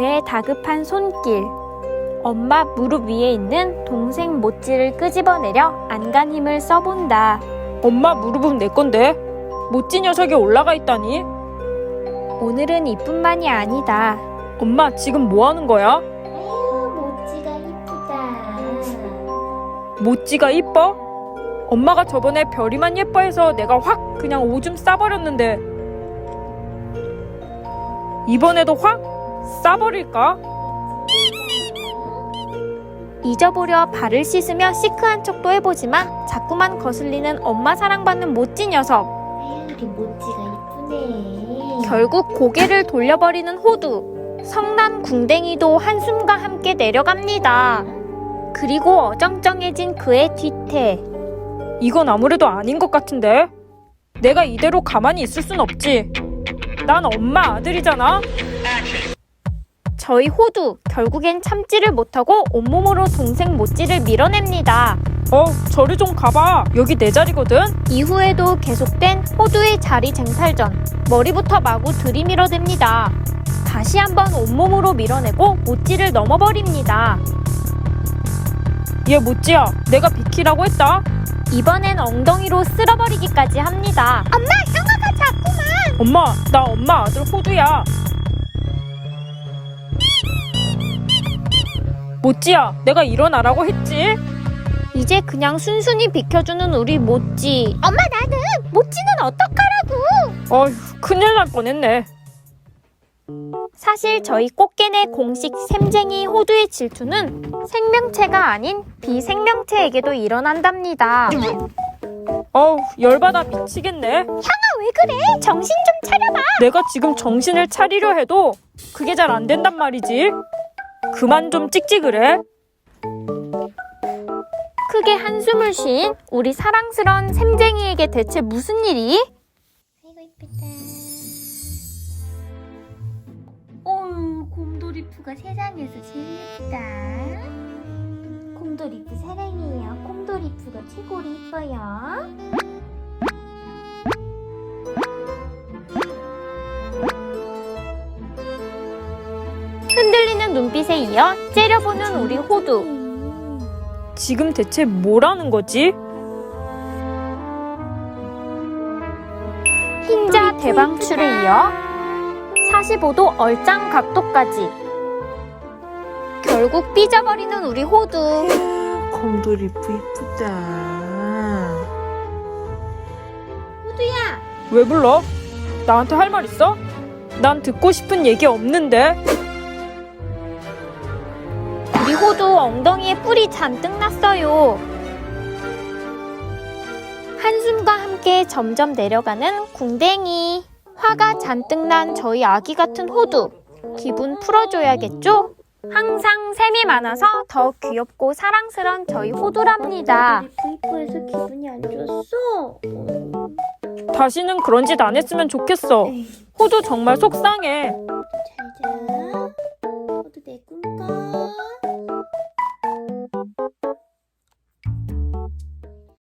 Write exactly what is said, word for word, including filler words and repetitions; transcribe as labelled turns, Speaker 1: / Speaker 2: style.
Speaker 1: 그의 다급한 손길. 엄마 무릎 위에 있는 동생 모찌를 끄집어내려 안간 힘을 써본다.
Speaker 2: 엄마 무릎은 내 건데 모찌 녀석이 올라가 있다니.
Speaker 1: 오늘은 이뿐만이 아니다.
Speaker 2: 엄마 지금 뭐 하는 거야?
Speaker 3: 아유, 모찌가 이쁘다.
Speaker 2: 모찌가 이뻐? 엄마가 저번에 별이만 예뻐해서 내가 확 그냥 오줌 싸버렸는데 이번에도 확 싸버릴까?
Speaker 1: 잊어보려 발을 씻으며 시크한 척도 해보지만 자꾸만 거슬리는 엄마 사랑받는 모찌 녀석.
Speaker 3: 아유, 우리 모찌가 이쁘네.
Speaker 1: 결국 고개를 돌려버리는 호두. 성난 궁뎅이도 한숨과 함께 내려갑니다. 그리고 어정쩡해진 그의 뒤태.
Speaker 2: 이건 아무래도 아닌 것 같은데. 내가 이대로 가만히 있을 순 없지. 난 엄마 아들이잖아.
Speaker 1: 저희 호두 결국엔 참지를 못하고 온몸으로 동생 모찌를 밀어냅니다.
Speaker 2: 어, 저리 좀 가봐. 여기 내 자리거든.
Speaker 1: 이후에도 계속된 호두의 자리 쟁탈전. 머리부터 마구 들이밀어댑니다. 다시 한번 온몸으로 밀어내고 모찌를 넘어버립니다.
Speaker 2: 얘 모찌야, 내가 비키라고 했다.
Speaker 1: 이번엔 엉덩이로 쓸어버리기까지 합니다. 엄마, 형아가 자꾸만!
Speaker 2: 엄마, 나 엄마 아들 호두야. 모찌야, 내가 일어나라고 했지?
Speaker 1: 이제 그냥 순순히 비켜주는 우리 모찌. 엄마, 나는! 모찌는 어떡하라고!
Speaker 2: 어휴, 큰일 날 뻔했네.
Speaker 1: 사실 저희 꽃게네 공식 샘쟁이 호두의 질투는 생명체가 아닌 비생명체에게도 일어난답니다.
Speaker 2: 어우, 열받아 미치겠네.
Speaker 1: 형아, 왜 그래? 정신 좀 차려봐.
Speaker 2: 내가 지금 정신을 차리려 해도 그게 잘 안 된단 말이지. 그만 좀 찍찍을 해.
Speaker 1: 크게 한숨을 쉰 우리 사랑스런 샘쟁이에게 대체 무슨 일이?
Speaker 3: 아이고, 이쁘다. 어우, 곰돌이푸가 세상에서 제일 예쁘다. 곰돌이푸 사랑해요. 곰돌이푸가 최고로 이뻐요.
Speaker 1: 흔들리는 눈빛에 이어 째려보는 우리 호두.
Speaker 2: 지금 대체 뭐라는 거지?
Speaker 1: 흰자 대방출에 이어 사십오 도 얼짱 각도까지. 결국 삐져버리는 우리 호두.
Speaker 4: 곰돌이푸 이쁘다.
Speaker 3: 호두야,
Speaker 2: 왜 불러? 나한테 할 말 있어? 난 듣고 싶은 얘기 없는데.
Speaker 1: 우리 호두 엉덩이에 뿔이 잔뜩 났어요. 한숨과 함께 점점 내려가는 궁뎅이. 화가 잔뜩 난 저희 아기 같은 호두. 기분 풀어줘야겠죠? 항상 샘이 많아서 더 귀엽고 사랑스런 저희 호두랍니다.
Speaker 3: 곰돌이푸 이뻐해서 기분이 안 좋았어.
Speaker 2: 다시는 그런 짓 안 했으면 좋겠어. 호두 정말 속상해.